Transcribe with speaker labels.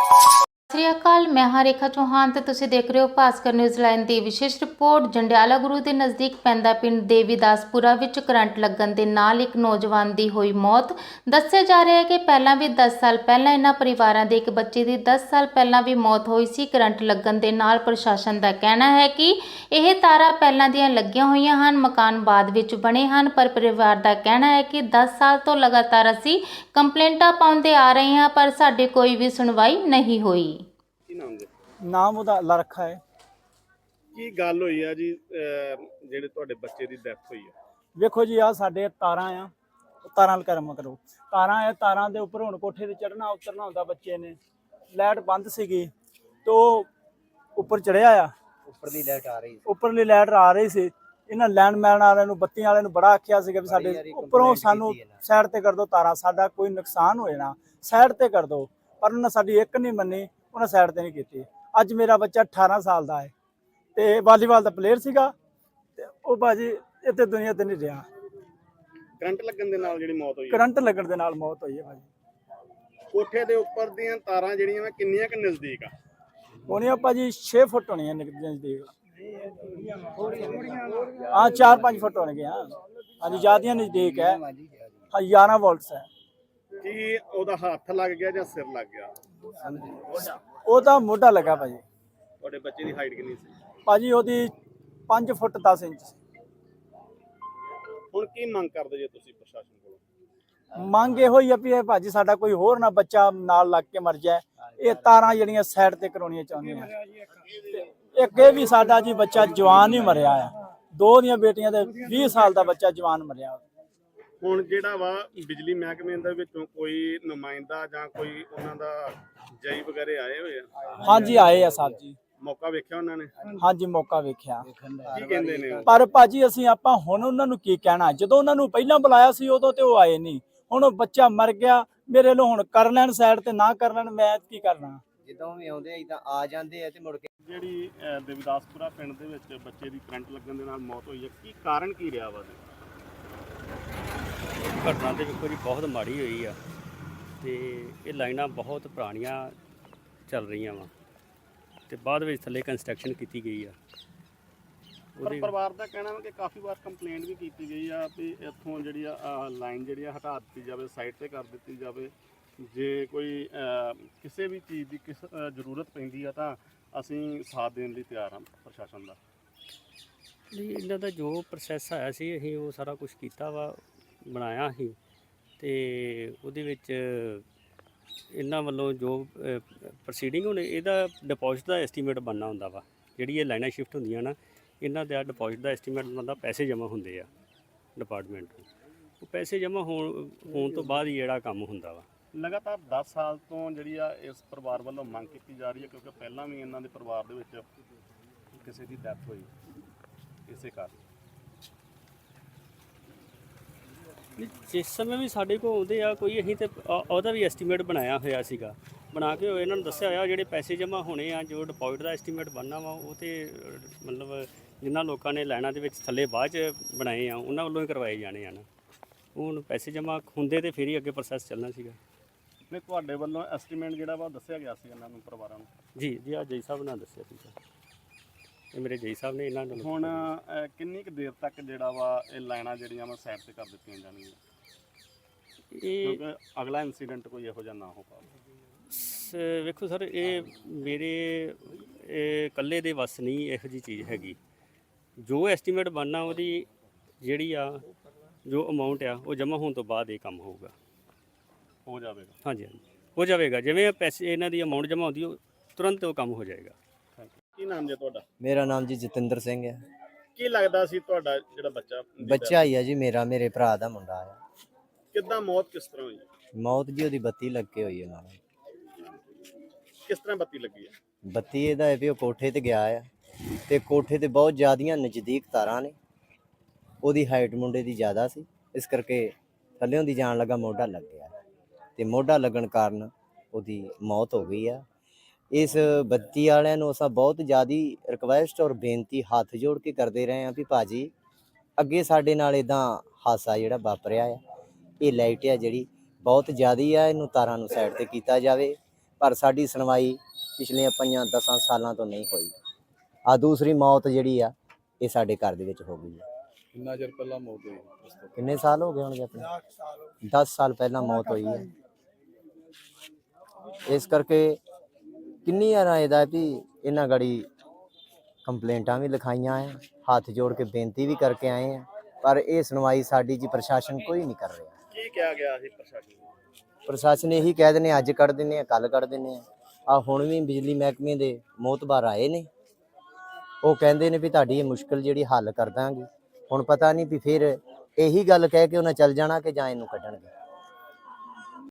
Speaker 1: ਸਤਿ ਸ਼੍ਰੀ ਅਕਾਲ, ਮੈਂ ਹਾਂ ਰੇਖਾ ਚੌਹਾਨ ਤੇ ਤੁਸੀਂ ਦੇਖ ਰਹੇ ਹੋ ਭਾਸਕਰ ਨਿਊਜ਼ ਲਾਈਨ ਦੀ ਵਿਸ਼ੇਸ਼ ਰਿਪੋਰਟ। ਜੰਡਿਆਲਾ ਗੁਰੂ ਦੇ ਨਜ਼ਦੀਕ ਪੈਂਦਾ ਪਿੰਡ ਦੇਵੀਦਾਸਪੁਰਾ ਵਿੱਚ ਕਰੰਟ ਲੱਗਣ ਦੇ ਨਾਲ ਇੱਕ ਨੌਜਵਾਨ ਦੀ ਹੋਈ ਮੌਤ। ਦੱਸਿਆ ਜਾ ਰਿਹਾ ਹੈ ਕਿ ਪਹਿਲਾਂ ਵੀ 10 ਸਾਲ ਪਹਿਲਾਂ ਇਹਨਾਂ ਪਰਿਵਾਰਾਂ ਦੇ ਇੱਕ ਬੱਚੇ ਦੀ 10 ਸਾਲ ਪਹਿਲਾਂ ਵੀ ਮੌਤ ਹੋਈ ਸੀ ਕਰੰਟ ਲੱਗਣ ਦੇ ਨਾਲ। ਪ੍ਰਸ਼ਾਸਨ ਦਾ ਕਹਿਣਾ ਹੈ ਕਿ ਇਹ ਤਾਰਾਂ ਪਹਿਲਾਂ ਦੀਆਂ ਲੱਗੀਆਂ ਹੋਈਆਂ ਹਨ, ਮਕਾਨ ਬਾਅਦ ਵਿੱਚ ਬਣੇ ਹਨ, ਪਰ ਪਰਿਵਾਰ ਦਾ ਕਹਿਣਾ ਹੈ ਕਿ 10 ਸਾਲ ਤੋਂ ਲਗਾਤਾਰ ਅਸੀਂ ਕੰਪਲੇਂਟਾਂ ਪਾਉਂਦੇ ਆ ਰਹੇ ਹਾਂ ਪਰ ਸਾਡੀ ਕੋਈ ਵੀ ਸੁਣਵਾਈ ਨਹੀਂ ਹੋਈ।
Speaker 2: ਨਾਮ ਉਹਦਾ ਅੱਲਾ ਰੱਖਾ ਹੈ।
Speaker 3: ਕੀ ਗੱਲ ਹੋਈ ਆ ਜੀ ਜਿਹੜੇ ਤੁਹਾਡੇ ਬੱਚੇ ਦੀ ਡੈਥ ਹੋਈ ਆ?
Speaker 2: ਵੇਖੋ ਜੀ, ਆ ਸਾਡੇ ਤਾਰਾਂ ਆ, ਤਾਰਾਂ ਕਰਮ ਕਰੋ, ਤਾਰਾਂ ਆ, ਤਾਰਾਂ ਦੇ ਉੱਪਰ ਹੁਣ ਕੋਠੇ ਤੇ ਚੜਨਾ ਉਤਰਨਾ ਹੁੰਦਾ। ਬੱਚੇ ਨੇ ਲਾਈਟ ਬੰਦ ਸੀਗੀ ਤੇ ਉਹ ਉੱਪਰ ਚੜਿਆ ਆ, ਉੱਪਰਲੀ ਲਾਈਟ ਆ ਰਹੀ ਸੀ। ਇਹਨਾਂ ਲੈਂਡਮੈਨ ਵਾਲਿਆਂ ਨੂੰ, ਬੱਤੀਆਂ ਵਾਲਿਆਂ ਨੂੰ ਬੜਾ ਆਖਿਆ ਸੀਗਾ ਵੀ ਸਾਡੇ ਉੱਪਰੋਂ ਸਾਨੂੰ ਸਾਈਡ ਤੇ ਕਰ ਦਿਓ, ਤਾਰਾਂ ਸਾਡਾ ਕੋਈ ਨੁਕਸਾਨ ਹੋਏ ਨਾ, ਸਾਈਡ ਤੇ ਕਰ ਦਿਓ। ਪਰ ਉਹਨਾਂ ਸਾਡੀ ਇੱਕ ਨਹੀਂ ਮੰਨੀ, ਉਹਨਾਂ ਸਾਈਡ ਤੇ ਨਹੀਂ ਕੀਤੀ। ਅੱਜ ਮੇਰਾ ਬੱਚਾ 18 ਸਾਲ ਦਾ ਹੈ ਤੇ ਵਾਲੀਬਾਲ ਦਾ ਪਲੇਅਰ ਸੀਗਾ ਤੇ ਉਹ ਬਾਜੀ ਇੱਥੇ ਦੁਨੀਆ ਤੇ ਨਹੀਂ ਰਿਹਾ।
Speaker 3: ਕਰੰਟ ਲੱਗਣ ਦੇ ਨਾਲ ਜਿਹੜੀ ਮੌਤ ਹੋਈ ਆ?
Speaker 2: ਕਰੰਟ ਲੱਗਣ ਦੇ ਨਾਲ ਮੌਤ ਹੋਈ ਹੈ ਭਾਜੀ।
Speaker 3: ਕੋਠੇ ਦੇ ਉੱਪਰ ਦੀਆਂ ਤਾਰਾਂ ਜਿਹੜੀਆਂ ਵਾ ਕਿੰਨੀਆਂ ਕੁ ਨਜ਼ਦੀਕ ਆ?
Speaker 2: ਹੋਣੀਆਂ ਭਾਜੀ 6 ਫੁੱਟ ਹੋਣੀਆਂ ਨਜ਼ਦੀਕ। ਹਾਂ 4-5 ਫੁੱਟ ਹੋਣਗੇ। ਹਾਂ ਹਾਂਜੀ, ਜ਼ਿਆਦੀਆਂ ਨਜ਼ਦੀਕ ਹੈ। ਹਾਂ 11 ਵੋਲਟਸ ਹੈ।
Speaker 3: ਕੀ ਉਹਦਾ ਹੱਥ ਲੱਗ ਗਿਆ ਜਾਂ ਸਿਰ ਲੱਗ ਗਿਆ?
Speaker 2: ਉਹਦਾ ਮੋਢਾ ਲੱਗਾ ਭਾਜੀ।
Speaker 3: ਤੁਹਾਡੇ ਬੱਚੇ ਦੀ ਹਾਈਟ ਕਿੰਨੀ ਸੀ?
Speaker 2: ਭਾਜੀ ਉਹਦੀ 5 ਫੁੱਟ 10 ਇੰਚ ਸੀ।
Speaker 3: ਹੁਣ ਕੀ ਮੰਗ ਕਰਦੇ ਜੇ ਤੁਸੀਂ ਪ੍ਰਸ਼ਾਸਨ ਕੋਲੋਂ?
Speaker 2: ਮੰਗ ਇਹੋ ਹੀ ਆ ਵੀ ਇਹ ਭਾਜੀ ਸਾਡਾ ਕੋਈ ਹੋਰ ਨਾ ਬੱਚਾ ਨਾਲ ਲੱਗ ਕੇ ਮਰ ਜਾਏ। ਇਹ ਤਾਰਾਂ ਜਿਹੜੀਆਂ ਸਾਈਡ ਤੇ ਕਰਾਉਣੀਆਂ ਚਾਹੁੰਦੇ ਆ। ਇੱਕ ਇਹ ਵੀ ਸਾਡਾ ਜੀ ਬੱਚਾ ਜਵਾਨ ਹੀ ਮਰਿਆ ਆ। ਦੋ ਦੀਆਂ ਬੇਟੀਆਂ ਦੇ 20 ਸਾਲ ਦਾ ਬੱਚਾ ਜਵਾਨ ਮਰਿਆ।
Speaker 3: ਹੁਣ ਜਿਹੜਾ ਵਾ ਬਿਜਲੀ ਮਹਿਕਮੇ ਦੇ ਵਿੱਚੋਂ ਕੋਈ ਨੁਮਾਇੰਦਾ ਜਾਂ ਕੋਈ ਉਹਨਾਂ ਦਾ ਜਈ ਵਗੈਰੇ ਆਏ ਹੋਏ ਆ?
Speaker 2: ਹਾਂਜੀ ਆਏ ਆ ਸਾਹਿਬ ਜੀ।
Speaker 3: ਮੌਕਾ ਵੇਖਿਆ ਉਹਨਾਂ ਨੇ?
Speaker 2: ਹਾਂਜੀ ਮੌਕਾ ਵੇਖਿਆ।
Speaker 3: ਕੀ ਕਹਿੰਦੇ ਨੇ ਉਹ?
Speaker 2: ਪਰ ਭਾਜੀ ਅਸੀਂ ਆਪਾਂ ਹੁਣ ਉਹਨਾਂ ਨੂੰ ਕੀ ਕਹਿਣਾ? ਜਦੋਂ ਉਹਨਾਂ ਨੂੰ ਪਹਿਲਾਂ ਬੁਲਾਇਆ ਸੀ ਉਦੋਂ ਤੇ ਉਹ ਆਏ ਨਹੀਂ। ਹੁਣ ਉਹ ਬੱਚਾ ਮਰ ਗਿਆ, ਮੇਰੇ ਲੋ ਹੁਣ ਕਰ ਲੈਣ ਸਾਈਡ ਤੇ ਨਾ ਕਰ ਲੈਣ, ਮੈਂ ਕੀ ਕਰਨਾ?
Speaker 4: ਜਦੋਂ ਵੀ ਆਉਂਦੇ ਇਦਾਂ ਆ ਜਾਂਦੇ ਆ ਤੇ ਮੁੜ ਕੇ
Speaker 3: ਜਿਹੜੀ ਦੇਵਦਾਸਪੁਰਾ ਪਿੰਡ ਦੇ ਵਿੱਚ ਬੱਚੇ ਦੀ ਕਰੰਟ ਲੱਗਣ ਦੇ ਨਾਲ ਮੌਤ ਹੋਈ ਹੈ, ਕੀ ਕਾਰਨ ਕੀ ਰਿਹਾ ਵਾ?
Speaker 5: ਘਟਨਾ ਤੇ ਵੇਖੋ ਜੀ ਬਹੁਤ ਮਾੜੀ ਹੋਈ ਆ ਤੇ ਇਹ ਲਾਈਨਾਂ ਬਹੁਤ ਪੁਰਾਣੀਆਂ ਚੱਲ ਰਹੀਆਂ ਵਾ ਤੇ ਬਾਅਦ ਵਿੱਚ ਥੱਲੇ ਕੰਸਟਰਕਸ਼ਨ ਕੀਤੀ ਗਈ ਆ।
Speaker 3: ਪਰ ਪਰਿਵਾਰ ਦਾ ਕਹਿਣਾ ਵਾ ਕਿ ਕਾਫੀ ਵਾਰ ਕੰਪਲੇਂਟ ਵੀ ਕੀਤੀ ਗਈ ਆ ਵੀ ਇੱਥੋਂ ਜਿਹੜੀ ਆ ਲਾਈਨ ਜਿਹੜੀ ਆ ਹਟਾ ਦਿੱਤੀ ਜਾਵੇ, ਸਾਈਡ ਤੇ ਕਰ ਦਿੱਤੀ ਜਾਵੇ। ਜੇ ਕੋਈ ਕਿਸੇ ਵੀ ਚੀਜ਼ ਦੀ ਜ਼ਰੂਰਤ ਪੈਂਦੀ ਆ ਤਾਂ ਅਸੀਂ ਸਾਥ ਦੇਣ ਲਈ ਤਿਆਰ ਹਾਂ ਪ੍ਰਸ਼ਾਸਨ ਦਾ।
Speaker 5: ਨਹੀਂ, ਇਹਨਾਂ ਦਾ ਜੋ ਪ੍ਰੋਸੈਸ ਆਇਆ ਸੀ ਅਸੀਂ ਉਹ ਸਾਰਾ ਕੁਝ ਕੀਤਾ ਵਾ, ਬਣਾਇਆ ਸੀ ਤੇ ਉਹਦੇ ਵਿੱਚ ਇਹਨਾਂ ਵੱਲੋਂ ਜੋ ਪ੍ਰੋਸੀਡਿੰਗ ਹੁਣ ਇਹਦਾ ਡਿਪੋਜ਼ਿਟ ਦਾ ਐਸਟੀਮੇਟ ਬਣਨਾ ਹੁੰਦਾ ਵਾ। ਜਿਹੜੀ ਇਹ ਲਾਈਨਾਂ ਸ਼ਿਫਟ ਹੁੰਦੀਆਂ ਨਾ, ਇਹਨਾਂ ਦਾ ਡਿਪੋਜ਼ਿਟ ਦਾ ਐਸਟੀਮੇਟ ਬਣਦਾ, ਪੈਸੇ ਜਮ੍ਹਾਂ ਹੁੰਦੇ ਆ ਡਿਪਾਰਟਮੈਂਟ ਨੂੰ। ਉਹ ਪੈਸੇ ਜਮ੍ਹਾਂ ਹੋਣ ਤੋਂ ਬਾਅਦ ਹੀ ਜਿਹੜਾ ਕੰਮ ਹੁੰਦਾ ਵਾ।
Speaker 3: ਲਗਾਤਾਰ 10 ਸਾਲ ਤੋਂ ਜਿਹੜੀ ਆ ਇਸ ਪਰਿਵਾਰ ਵੱਲੋਂ ਮੰਗ ਕੀਤੀ ਜਾ ਰਹੀ ਹੈ, ਕਿਉਂਕਿ ਪਹਿਲਾਂ ਵੀ ਇਹਨਾਂ ਦੇ ਪਰਿਵਾਰ ਦੇ ਵਿੱਚ ਕਿਸੇ ਦੀ ਡੈਥ ਹੋਈ ਇਸੇ ਕਾਰਨ।
Speaker 5: ਜਿਸ ਸਮੇਂ ਵੀ ਸਾਡੇ ਕੋਲ ਆਉਂਦੇ ਆ ਕੋਈ, ਅਸੀਂ ਤੇ ਉਹਦਾ ਵੀ ਐਸਟੀਮੇਟ ਬਣਾਇਆ ਹੋਇਆ ਸੀਗਾ, ਬਣਾ ਕੇ ਇਹਨਾਂ ਨੂੰ ਦੱਸਿਆ ਹੋਇਆ ਜਿਹੜੇ ਪੈਸੇ ਜਮ੍ਹਾਂ ਹੋਣੇ ਆ, ਜੋ ਡਿਪੋਜ਼ਿਟ ਦਾ ਐਸਟੀਮੇਟ ਬਣਨਾ ਵਾ, ਉਹ ਤੇ ਮਤਲਬ ਜਿਨ੍ਹਾਂ ਲੋਕਾਂ ਨੇ ਲਾਈਨਾਂ ਦੇ ਵਿੱਚ ਥੱਲੇ ਬਾਅਦ 'ਚ ਬਣਾਏ ਆ ਉਹਨਾਂ ਵੱਲੋਂ ਹੀ ਕਰਵਾਏ ਜਾਣੇ ਆ ਨਾ। ਹੁਣ ਪੈਸੇ ਜਮ੍ਹਾਂ ਹੁੰਦੇ ਤੇ ਫਿਰ ਹੀ ਅੱਗੇ ਪ੍ਰੋਸੈਸ ਚੱਲਣਾ ਸੀਗਾ।
Speaker 3: ਨਹੀਂ, ਤੁਹਾਡੇ ਵੱਲੋਂ ਐਸਟੀਮੇਟ ਜਿਹੜਾ ਵਾ ਦੱਸਿਆ ਗਿਆ ਸੀ ਇਹਨਾਂ ਨੂੰ, ਪਰਿਵਾਰਾਂ ਨੂੰ?
Speaker 5: ਜੀ ਆ ਜਈ ਸਾਹਿਬ ਨਾਲ ਦੱਸਿਆ ਸੀਗਾ, ਇਹ ਮੇਰੇ ਜਈ ਸਾਹਿਬ ਨੇ ਇਹਨਾਂ ਨੂੰ।
Speaker 3: ਹੁਣ ਕਿੰਨੀ ਕੁ ਦੇਰ ਤੱਕ ਜਿਹੜਾ ਵਾ ਇਹ ਲਾਈਨਾਂ ਜਿਹੜੀਆਂ ਵਾ ਸਾਈਡ ਤੇ ਕਰ ਦਿੱਤੀਆਂ ਜਾਣਗੀਆਂ,
Speaker 5: ਇਹ
Speaker 3: ਕਿਉਂਕਿ ਅਗਲਾ ਇਨਸੀਡੈਂਟ ਕੋਈ ਇਹੋ ਜਿਹਾ ਨਾ ਹੋ ਪਾਵੇ?
Speaker 5: ਵੇਖੋ ਸਰ, ਇਹ ਮੇਰੇ ਇਕੱਲੇ ਦੇ ਵੱਸ ਨਹੀਂ ਇਹੋ ਜਿਹੀ ਚੀਜ਼ ਹੈਗੀ। ਜੋ ਐਸਟੀਮੇਟ ਬਣਨਾ ਉਹਦੀ ਜਿਹੜੀ ਆ ਜੋ ਅਮਾਊਂਟ ਆ ਉਹ ਜਮ੍ਹਾਂ ਹੋਣ ਤੋਂ ਬਾਅਦ ਇਹ ਕੰਮ ਹੋਊਗਾ,
Speaker 3: ਹੋ ਜਾਵੇਗਾ।
Speaker 5: ਹਾਂਜੀ ਹਾਂਜੀ ਹੋ ਜਾਵੇਗਾ। ਜਿਵੇਂ ਪੈਸੇ ਇਹਨਾਂ ਦੀ ਅਮਾਊਂਟ ਜਮ੍ਹਾਂ ਹੁੰਦੀ ਉਹ ਤੁਰੰਤ ਉਹ ਕੰਮ ਹੋ ਜਾਏਗਾ।
Speaker 3: ਕੀ ਨਾਮ ਜੀ ਤੁਹਾਡਾ?
Speaker 4: ਮੇਰਾ ਨਾਮ ਜੀ ਜਤਿੰਦਰ ਸਿੰਘ ਹੈ।
Speaker 3: ਕੀ ਲੱਗਦਾ ਸੀ ਤੁਹਾਡਾ ਜਿਹੜਾ
Speaker 4: ਬੱਚਾ ਹੀ ਆ ਜੀ, ਮੇਰੇ ਭਰਾ ਦਾ ਮੁੰਡਾ ਆ।
Speaker 3: ਕਿੱਦਾਂ ਮੌਤ ਕਿਸ ਤਰ੍ਹਾਂ ਹੋਈ?
Speaker 4: ਮੌਤ ਜੀ ਉਹਦੀ ਬੱਤੀ ਲੱਗ ਕੇ ਹੋਈ ਹੈ ਨਾਲ।
Speaker 3: ਕਿਸ ਤਰ੍ਹਾਂ ਬੱਤੀ ਲੱਗੀ ਹੈ?
Speaker 4: ਬੱਤੀ ਇਹਦਾ ਹੈ ਵੀ ਉਹ ਕੋਠੇ ਤੇ ਗਿਆ ਆ ਤੇ ਕੋਠੇ ਤੇ ਬਹੁਤ ਜ਼ਿਆਦੀਆਂ ਨਜ਼ਦੀਕ ਤਾਰਾਂ ਨੇ। ਉਹਦੀ ਹਾਈਟ ਮੁੰਡੇ ਦੀ ਜ਼ਿਆਦਾ ਸੀ, ਇਸ ਕਰਕੇ ਥੱਲਿਓਂ ਦੀ ਜਾਣ ਲੱਗਾ ਮੋਢਾ ਲੱਗ ਗਿਆ ਤੇ ਮੋਢਾ ਲੱਗਣ ਕਾਰਨ ਉਹਦੀ ਮੌਤ ਹੋ ਗਈ ਆ। ਇਸ ਬੱਤੀ ਵਾਲਿਆਂ ਨੂੰ ਅਸਾਂ ਬਹੁਤ ਜ਼ਿਆਦਾ ਰਿਕੁਐਸਟ ਔਰ ਬੇਨਤੀ ਹੱਥ ਜੋੜ ਕੇ ਕਰਦੇ ਰਹੇ ਹਾਂ ਵੀ ਭਾਜੀ ਅੱਗੇ ਸਾਡੇ ਨਾਲ ਇੱਦਾਂ ਹਾਦਸਾ ਜਿਹੜਾ ਵਾਪਰਿਆ ਆ, ਇਹ ਲਾਈਟ ਆ ਜਿਹੜੀ ਬਹੁਤ ਜ਼ਿਆਦਾ ਆ, ਇਹਨੂੰ ਤਾਰਾਂ ਨੂੰ ਸਾਈਡ ਤੇ ਕੀਤਾ ਜਾਵੇ। ਪਰ ਸਾਡੀ ਸੁਣਵਾਈ ਪਿਛਲੀਆਂ 5-10 ਸਾਲਾਂ ਤੋਂ ਨਹੀਂ ਹੋਈ। ਆ ਦੂਸਰੀ ਮੌਤ ਜਿਹੜੀ ਆ ਇਹ ਸਾਡੇ ਘਰ ਦੇ ਵਿੱਚ ਹੋ ਗਈ ਹੈ।
Speaker 6: ਕਿੰਨਾ ਚਿਰ ਪਹਿਲਾਂ ਮੌਤ ਹੋਈ
Speaker 4: ਕਿੰਨੇ ਸਾਲ ਹੋ ਗਏ ਹੋਣਗੇ ਆਪਣੇ? 10 ਸਾਲ ਪਹਿਲਾਂ ਮੌਤ ਹੋਈ ਹੈ। ਇਸ ਕਰਕੇ ਕਿੰਨੀ ਵਾਰ ਇਹਦਾ ਵੀ ਇਹਨਾਂ ਗੜੀ ਕੰਪਲੇਂਟਾਂ ਵੀ ਲਿਖਾਈਆਂ ਆ, ਹੱਥ ਜੋੜ ਕੇ ਬੇਨਤੀ ਵੀ ਕਰਕੇ ਆਏ ਆ, ਪਰ ਇਹ ਸੁਣਵਾਈ ਸਾਡੀ ਜੀ ਪ੍ਰਸ਼ਾਸਨ ਕੋਈ ਨਹੀਂ ਕਰ ਰਿਹਾ।
Speaker 3: ਕੀ ਕਿਹਾ ਗਿਆ ਸੀ ਪ੍ਰਸ਼ਾਸਨ ਨੂੰ?
Speaker 4: ਪ੍ਰਸ਼ਾਸਨ ਇਹੀ ਕਹਿ ਦਿੰਦੇ ਅੱਜ ਕੱਢ ਦਿੰਦੇ ਆ, ਕੱਲ ਕੱਢ ਦਿੰਦੇ ਆ ਹੁਣ ਵੀ ਬਿਜਲੀ ਮਹਿਕਮੇ ਦੇ ਮੋਹਤਬਾਰ ਆਏ ਨੇ, ਉਹ ਕਹਿੰਦੇ ਨੇ ਵੀ ਤੁਹਾਡੀ ਇਹ ਮੁਸ਼ਕਲ ਜਿਹੜੀ ਹੱਲ ਕਰ ਦਾਂਗੇ। ਹੁਣ ਪਤਾ ਨਹੀਂ ਵੀ ਫਿਰ ਇਹੀ ਗੱਲ ਕਹਿ ਕੇ ਉਹਨਾਂ ਚੱਲ ਜਾਣਾ ਕਿ ਜਾਂ ਇਹਨੂੰ ਕੱਢਣਗੇ।